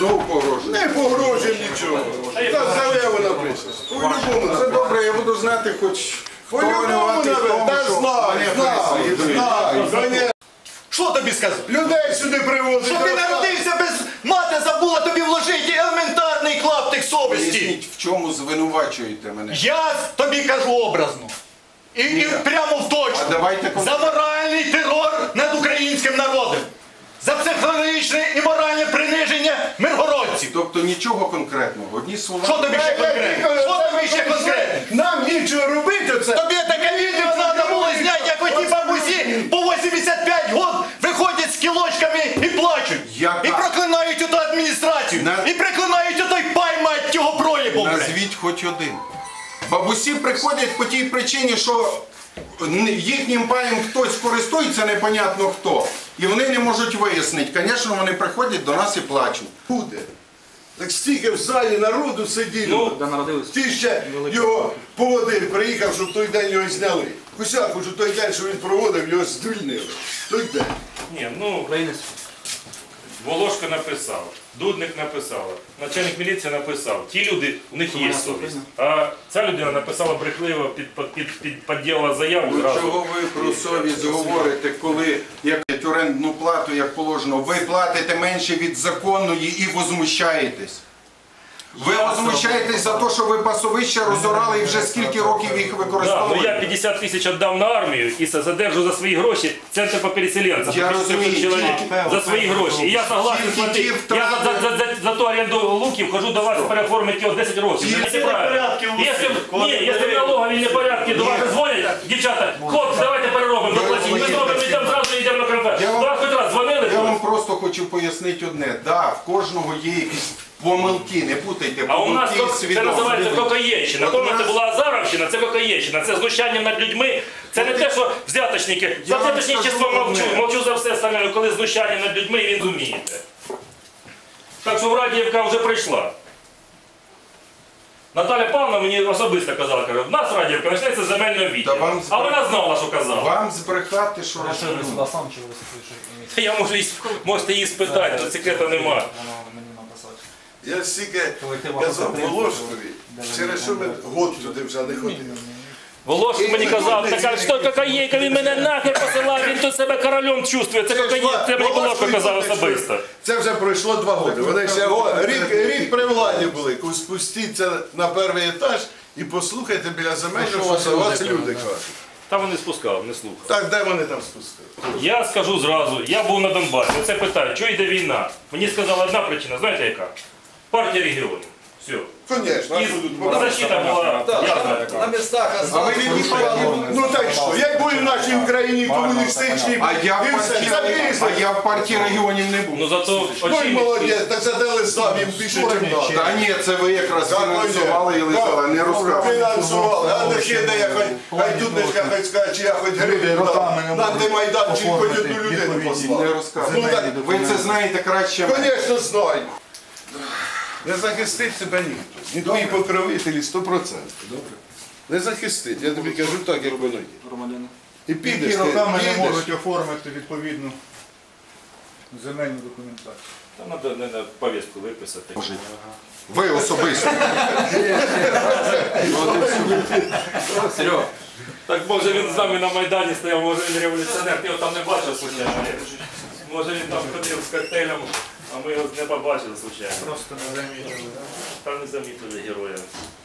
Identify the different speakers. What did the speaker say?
Speaker 1: Знову погрожує?
Speaker 2: Не погрожує нічого. Та заяву напишеш. По-любому.
Speaker 1: Це добре, я буду знати хоч хто винуватий в тому,
Speaker 2: Та
Speaker 1: що
Speaker 2: знаю.
Speaker 3: Що тобі сказав?
Speaker 2: Людей сюди привозять.
Speaker 3: Що ти народився без мати, забула тобі вложити елементарний клаптик совісті.
Speaker 1: Поясніть, в чому звинувачуєте мене?
Speaker 3: Я тобі кажу образно. І прямо в точку.
Speaker 1: А давайте
Speaker 3: За моральний терор над українським народом. За психологічне і моральне приниження миргородців.
Speaker 1: Тобто нічого конкретного, одні слова.
Speaker 3: Що тобі ще конкретно? Що тобі ще конкретно?
Speaker 2: Нам нічого робити оце.
Speaker 3: Тобі таке відео треба було зняти, як оті бабусі по 85 років виходять з кілочками і плачуть. І проклинають оту адміністрацію. І проклинають отой пай, мать його проєбу.
Speaker 1: Назвіть хоч один. Бабусі приходять по тій причині, що їхнім паєм хтось користується, непонятно хто. І вони не можуть вияснити. Звісно, вони приходять до нас і плачуть.
Speaker 2: Буде. Так стільки в залі народу сиділо. Ти ще його поводив, приїхав, щоб той день його зняли. Кусяку, що той день, що він проводив, його звільнили. Той день.
Speaker 4: Ні, ну, Волошко написав, Дудник написав, начальник міліції написав. Ті люди, у них є совість. А ця людина написала брехливо, підділила заяву.
Speaker 1: Чого ви про совість говорите, коли як орендну плату, як положено, ви платите менше від законної і возмущаєтесь? Ви возмущаєтесь за те, що ви пасовища розорали і вже скільки років їх
Speaker 4: Так, ну
Speaker 1: використовуєте?
Speaker 4: я 50 тисяч віддав на армію і задержу за свої гроші центр по переселенцям.
Speaker 1: Я розумію,
Speaker 4: чоловік за свої гроші. І я согласен
Speaker 1: Тільки
Speaker 4: платити.
Speaker 1: ті втрати-
Speaker 4: Я за ту оренду луків хожу до вас переоформити його 10 років. Це неправильно. Якщо в налоговій непорядки до вас дзвонять, дівчата, хлопці, давайте переробимо, доплатіть. Ми зробимо, йдемо зразу, йдемо на конференц. До вас хоч раз дзвонили?
Speaker 1: Я вам просто хочу пояснити одне. Да, в кожного є якісь помилки, не путайте,
Speaker 4: А у нас
Speaker 1: помилки
Speaker 4: це
Speaker 1: свідомі.
Speaker 4: називається кокаєнщина. Коли це була Азаровщина, це кокаєнщина. Це знущання над людьми. Це не те, що взяточники. За взяточничество мовчу за все остальне, коли знущання над людьми, і він зумієте. Так що Радіївка вже прийшла. Наталя Павловна мені особисто казала, каже, в нас Радіївка почнеться з земельного відділу. А вона знала, що казала.
Speaker 1: Вам збрехати, що розумієте.
Speaker 4: Я можете її спитати, але секрету немає.
Speaker 2: Я стільки казав Волошкові, через що ми год туди вже не ходили.
Speaker 4: Волошко мені казав, така що кокаєнка, він мене нахер посилав, він тут себе королем чувствує. Це кокаєнка, це мені Волошко казав особисто.
Speaker 2: Це вже пройшло 2 роки. Вони ще рік при владі були. Спустіться на перший етаж і послухайте біля земельного, що вас люди кажуть.
Speaker 4: Та вони спускали, не слухали.
Speaker 2: Так, де вони там спускали?
Speaker 4: Я скажу зразу, я був на Донбасі, оце питаю, чого йде війна? Мені сказала одна причина, знаєте яка? Партія регіонів. Все.
Speaker 2: Звісно,
Speaker 4: І защита була ясна.
Speaker 3: На містах
Speaker 1: А ви від партії?
Speaker 2: ну так що, як були в нашій Україні комуністичні,
Speaker 1: А я
Speaker 2: і все, це бізнес.
Speaker 1: в партії регіонів не був.
Speaker 4: Ну зато
Speaker 2: Ой,
Speaker 4: очі...
Speaker 2: молодець, так це дали сам їм більше, ніж надо.
Speaker 1: Та ні, це ви якраз фінансували і лизали, не розказуйте.
Speaker 2: Фінансували, а не ще де я хай Дудничка хоч скаже, чи я хоч гривень дав. На антимайданчик хоч одну людину
Speaker 1: Не
Speaker 2: послав.
Speaker 1: розказуйте. Ви це знаєте краще.
Speaker 2: Звісно, знаю. Не захистить себе ніхто. Ні твої покровителі 100%. Добре. Не захистить. Я тобі кажу так, як воно є. І підеш,
Speaker 5: Які роками не
Speaker 2: підеш.
Speaker 5: можуть оформити відповідну земельну документацію.
Speaker 4: Там треба на повістку виписати.
Speaker 1: Ви особисто.
Speaker 4: Серьо, так може він з нами на Майдані стояв, може він революціонер, ти його там не бачив случайно. Може він там ходив з коктейлем, а ми його не побачили случайно.
Speaker 5: Просто не замітили.
Speaker 4: Та не замітили героя.